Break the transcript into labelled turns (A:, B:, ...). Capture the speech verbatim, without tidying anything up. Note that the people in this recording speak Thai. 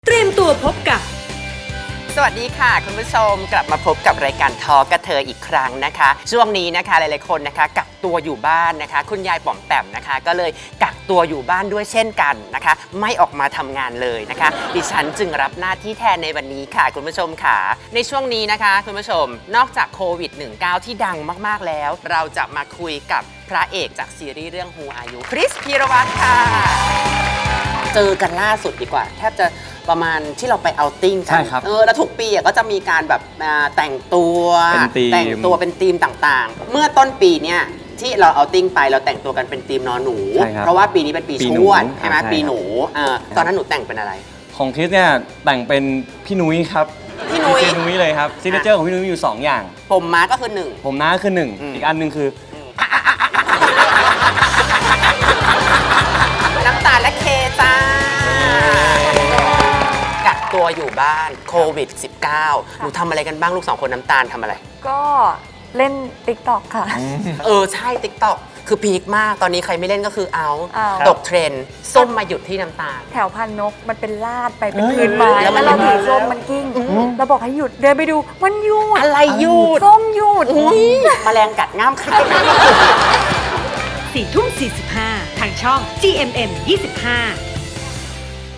A: เตรียมตัวพบกับ
B: สวัสดีค่ะคุณผู้ชมกลับมาพบกับรายการทอกระเทยอีกครั้งนะคะช่วงนี้นะคะหลายๆคนนะคะกักตัวอยู่บ้านนะคะคุณยายป๋อมแปมนะคะก็เลยกักตัวอยู่บ้านด้วยเช่นกันนะคะไม่ออกมาทำงานเลยนะคะดิฉันจึงรับหน้าที่แทนในวันนี้ค่ะคุณผู้ชมค่ะในช่วงนี้นะคะคุณผู้ชมนอกจากโควิด สิบเก้า ที่ดังมากๆแล้วเราจะมาคุยกับพระเอกจากซีรีส์เรื่อง Who Are You คริสพีรวัตรค่ะเจอกันล่าสุดดีกว่าแทบจะประมาณที่เราไปเอาท์ติ้งกัน
C: ใช่ครับ
B: เออแล้วทุกปีอ่ะก็จะมีการแบบอ่าแต่งตัว
C: เป็นธีม
B: แต่งตัวเป็นธีมต่างๆ เมื่อต้นปีเนี่ยที่เราเอาท์ติ้งไปเราแต่งตัวกันเป็นธีมนอนหนู
C: ใช่ครับ
B: เพราะว่าปีนี้เป็นปี
C: ปี
B: ช
C: หนู
B: วดใช่ไหม
C: อ่าใช่
B: ปีหนูเออตอนนั้นหนูแต่งเป็นอะไร
C: ของคริสเนี่ยแต่งเป็นพี่นุ้ยครับ
B: พี่นุ้ย
C: เจนุ้ยเลยครับซิกเนเจอร์ของพี่นุ้ยมีอยู่สองอย่าง
B: ผมม้าก็คือหนึ่ง
C: ผมน้าคือหนึ่ง
B: อืม
C: อีกอันหนึ่งคือ
B: น้ำตาลและเคจ้ากักตัวอยู่บ้านโควิด สิบเก้า หนูทำอะไรกันบ้างลูกสองคนน้ำตาลทำอะไร
D: ก็เล่น ติ๊กต็อก ค่ะ
B: เออ ใช่ ติ๊กต็อกคือพีคมากตอนนี้ใครไม่เล่นก็คือเอา
D: เอา
B: ตกเทรนด์ส้มมาหยุดที่น้ำตาล
D: แถวพันนกมันเป็นลาดไปเป็น
C: เอ้ย
D: พื้นไม้
B: แล้
D: แล้ว ว
B: มัน
D: เราถือ
B: มา
D: ส้มมันกิ้งเราบอกให้หยุดเดินไปดูมันหยุด
B: อะไรหยุด
D: ส้มหยุด
B: อุ้ยแมลงกัดง่ามใคร
A: สี่ทุ่มสี่สิบห้าทางช่อง จี เอ็ม เอ็ม ยี่สิบห้า